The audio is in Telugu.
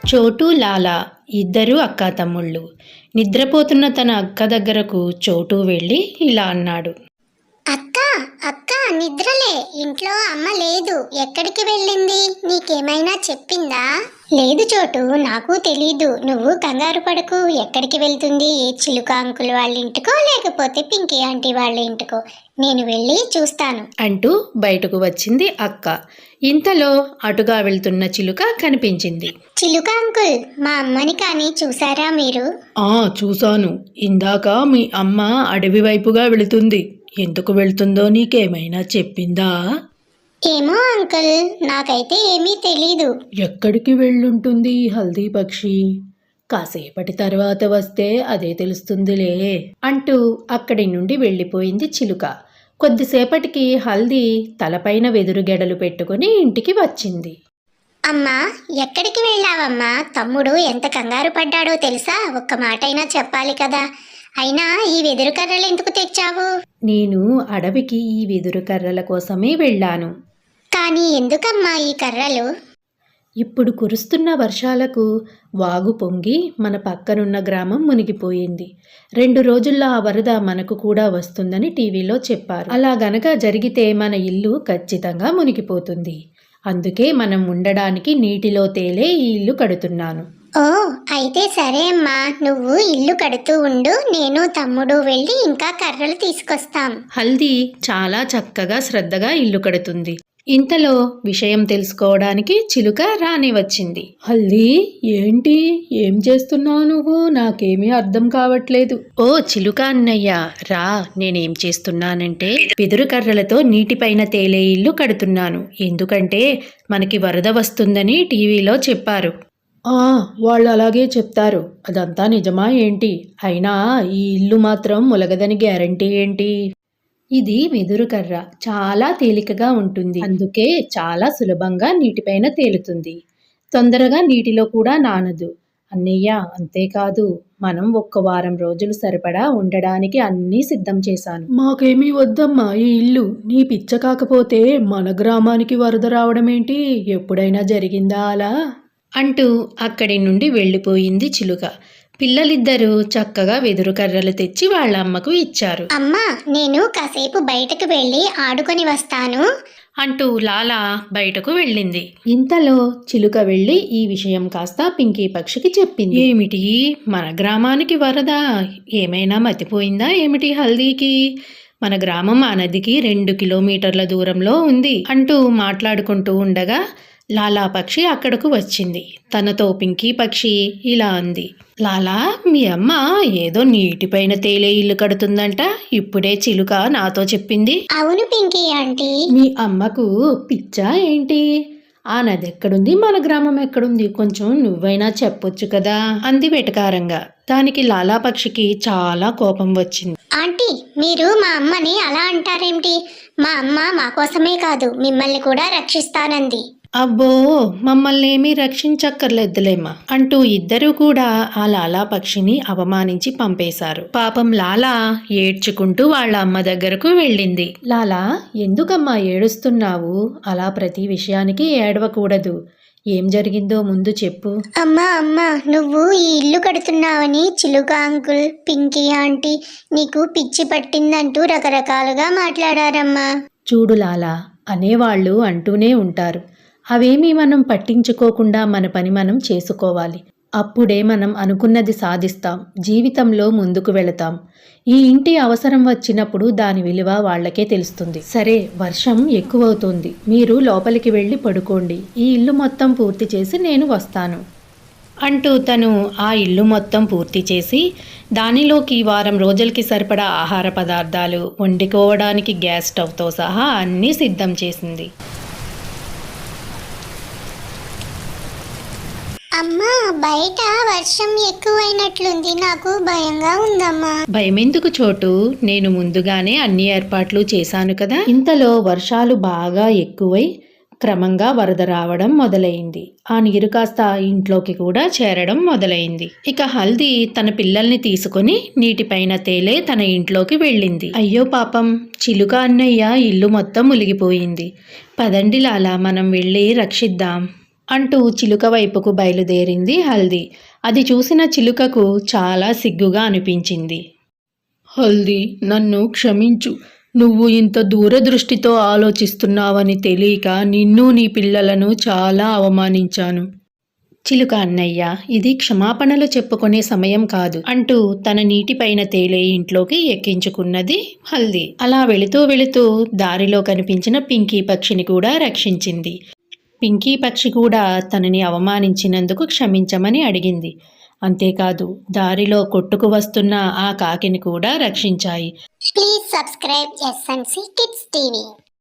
చోటు లాలా ఇద్దరు అక్కాతమ్ముళ్ళు. నిద్రపోతున్న తన అక్క దగ్గరకు చోటు వెళ్ళి ఇలా అన్నాడు. అక్క అక్క నిద్రలే, ఇంట్లో అమ్మ లేదు, ఎక్కడికి వెళ్ళింది? నీకేమైనా చెప్పిందా? లేదు చోటు, నాకు తెలీదు. నువ్వు కంగారు పడకు. ఎక్కడికి వెళ్తుంది? చిలుక అంకుల్ వాళ్ళ ఇంటికో లేకపోతే పింకీ ఆంటీ వాళ్ళ ఇంటికో, నేను వెళ్ళి చూస్తాను అంటూ బయటకు వచ్చింది అక్క. ఇంతలో అటుగా వెళ్తున్న చిలుక కనిపించింది. చిలుక అంకుల్, మా అమ్మని కానీ చూసారా మీరు? చూశాను. ఇందాక మీ అమ్మ అడవి వైపుగా వెళుతుంది. ఎందుకు వెళ్తుందో నీకేమైనా చెప్పిందా? ఏమో అంకుల్, నాకైతే ఏమీ తెలీదు. ఎక్కడికి వెళ్ళుంటుంది హల్దీ పక్షి? కాసేపటి తర్వాత వస్తే అదే తెలుస్తుందిలే అంటూ అక్కడి నుండి వెళ్ళిపోయింది చిలుక. కొద్దిసేపటికి హల్దీ తలపైన వెదురుగెడలు పెట్టుకుని ఇంటికి వచ్చింది. అమ్మా, ఎక్కడికి వెళ్ళావమ్మా? తమ్ముడు ఎంత కంగారు పడ్డాడో తెలుసా? ఒక్క మాటైనా చెప్పాలి కదా. అయినా ఈ వెదురు కర్రలు ఎందుకు తెచ్చావు? నేను అడవికి ఈ వెదురు కర్రల కోసమే వెళ్ళాను. కానీ ఎందుకమ్మా ఈ కర్రలు? ఇప్పుడు కురుస్తున్న వర్షాలకు వాగు పొంగి మన పక్కనున్న గ్రామం మునిగిపోయింది. 2 రోజుల్లో ఆ వరద మనకు కూడా వస్తుందని టీవీలో చెప్పారు. అలా గనక జరిగితే మన ఇల్లు ఖచ్చితంగా మునిగిపోతుంది. అందుకే మనం ఉండడానికి నీటిలో తేలే ఈ ఇల్లు కడుతున్నాను. ఓ, అయితే సరే అమ్మా, నువ్వు ఇల్లు కడుతూ ఉండు, నేను తమ్ముడు వెళ్ళి ఇంకా కర్రలు తీసుకొస్తాం. హల్దీ చాలా చక్కగా శ్రద్ధగా ఇల్లు కడుతుంది. ఇంతలో విషయం తెలుసుకోవడానికి చిలుక రాని వచ్చింది. హల్దీ, ఏంటి, ఏం చేస్తున్నావు నువ్వు? నాకేమీ అర్థం కావట్లేదు. ఓ చిలుక అన్నయ్య, రా. నేనేం చేస్తున్నానంటే వెదురు కర్రలతో నీటిపైన తేలే ఇల్లు కడుతున్నాను. ఎందుకంటే మనకి వరద వస్తుందని టీవీలో చెప్పారు. వాళ్ళు అలాగే చెప్తారు. అదంతా నిజమా ఏంటి? అయినా ఈ ఇల్లు మాత్రం ములగదని గ్యారంటీ ఏంటి? ఇది వెదురు కర్ర, చాలా తేలికగా ఉంటుంది. అందుకే చాలా సులభంగా నీటిపైన తేలుతుంది. తొందరగా నీటిలో కూడా నానదు అన్నయ్య. అంతేకాదు, మనం 1 వారం రోజులు సరిపడా ఉండడానికి అన్నీ సిద్ధం చేశాను. మాకేమీ వద్దమ్మా ఈ ఇల్లు. నీ పిచ్చ కాకపోతే మన గ్రామానికి వరద రావడం ఏంటి? ఎప్పుడైనా జరిగిందా అలా? అంటూ అక్కడి నుండి వెళ్ళిపోయింది చిలుక. పిల్లలిద్దరూ చక్కగా వెదురు కర్రలు తెచ్చి వాళ్ళ అమ్మకు ఇచ్చారు. అమ్మా, నేను కాసేపు బయటకు వెళ్ళి ఆడుకొని వస్తాను అంటూ లాలా బయటకు వెళ్ళింది. ఇంతలో చిలుక వెళ్ళి ఈ విషయం కాస్త పింకీ పక్షికి చెప్పింది. ఏమిటి, మన గ్రామానికి వరద? ఏమైనా మతిపోయిందా ఏమిటి హల్దీకి? మన గ్రామం ఆ నదికి 2 కిలోమీటర్ల దూరంలో ఉంది అంటూ మాట్లాడుకుంటూ ఉండగా లాలా పక్షి అక్కడకు వచ్చింది. తనతో పింకీ పక్షి ఇలా అంది. లాలా, మీ అమ్మ ఏదో నీటిపైన తేలే ఇల్లు కడుతుందంట. ఇప్పుడే చిలుక నాతో చెప్పింది. అవును పింకీ ఆంటీ. మీ అమ్మకు పిచ్చా ఏంటి? ఆ నది ఎక్కడుంది, మన గ్రామం ఎక్కడుంది? కొంచెం నువ్వైనా చెప్పొచ్చు కదా అంది వెటకారంగా. దానికి లాలా పక్షికి చాలా కోపం వచ్చింది. ఆంటీ, మీరు మా అమ్మని అలా అంటారేమిటి? మా అమ్మ మా కోసమే కాదు, మిమ్మల్ని కూడా రక్షిస్తానంది. అబ్బో, మమ్మల్ని ఏమీ రక్షించక్కర్లేదులేమ్మా అంటూ ఇద్దరూ కూడా ఆ లాలా పక్షిని అవమానించి పంపేశారు. పాపం లాలా ఏడ్చుకుంటూ వాళ్ళ అమ్మ దగ్గరకు వెళ్ళింది. లాలా, ఎందుకమ్మా ఏడుస్తున్నావు? అలా ప్రతి విషయానికి ఏడవకూడదు. ఏం జరిగిందో ముందు చెప్పు. అమ్మా, నువ్వు ఈ ఇల్లు కడుతున్నావని చిలుక అంకుల్, పింకీ ఆంటీ నీకు పిచ్చి పట్టిందంటూ రకరకాలుగా మాట్లాడారమ్మా. చూడు లాలా, అనేవాళ్ళు అంటూనే ఉంటారు. అవేమీ మనం పట్టించుకోకుండా మన పని మనం చేసుకోవాలి. అప్పుడే మనం అనుకున్నది సాధిస్తాం, జీవితంలో ముందుకు వెళతాం. ఈ ఇంటి అవసరం వచ్చినప్పుడు దాని విలువ వాళ్ళకే తెలుస్తుంది. సరే, వర్షం ఎక్కువవుతుంది, మీరు లోపలికి వెళ్ళి పడుకోండి. ఈ ఇల్లు మొత్తం పూర్తి చేసి నేను వస్తాను అంటూ తను ఆ ఇల్లు మొత్తం పూర్తి చేసి దానిలోకి 1 వారం రోజులకి సరిపడా ఆహార పదార్థాలు, వండుకోవడానికి గ్యాస్ స్టవ్తో సహా అన్నీ సిద్ధం చేసింది. అమ్మా, బయట వర్షం ఎక్కువైనట్లుంది, నాకు భయంగా ఉందమ్మా. భయమెందుకు చోటు, నేను ముందుగానే అన్ని ఏర్పాట్లు చేశాను కదా. ఇంతలో వర్షాలు బాగా ఎక్కువై క్రమంగా వరద రావడం మొదలైంది. ఆ నీరు కాస్త ఇంట్లోకి కూడా చేరడం మొదలైంది. ఇక హల్దీ తన పిల్లల్ని తీసుకుని నీటిపైన తేలే తన ఇంట్లోకి వెళ్ళింది. అయ్యో పాపం, చిలుక అన్నయ్య ఇల్లు మొత్తం మునిగిపోయింది. పదండి లాలా, మనం వెళ్ళి రక్షిద్దాం అంటూ చిలుక వైపుకు బయలుదేరింది హల్దీ. అది చూసిన చిలుకకు చాలా సిగ్గుగా అనిపించింది. హల్దీ, నన్ను క్షమించు. నువ్వు ఇంత దూరదృష్టితో ఆలోచిస్తున్నావని తెలియక నిన్ను నీ పిల్లలను చాలా అవమానించాను. చిలుక అన్నయ్య, ఇది క్షమాపణలు చెప్పుకునే సమయం కాదు అంటూ తన నీటిపైన తేలే ఇంట్లోకి ఎక్కించుకున్నది హల్దీ. అలా వెళుతూ వెళుతూ దారిలో కనిపించిన పింకీ పక్షిని కూడా రక్షించింది. పింకీ పక్షి కూడా తనని అవమానించినందుకు క్షమించమని అడిగింది. అంతేకాదు దారిలో కొట్టుకు వస్తున్న ఆ కాకిని కూడా రక్షించాయి. Please subscribe SNC Kids TV.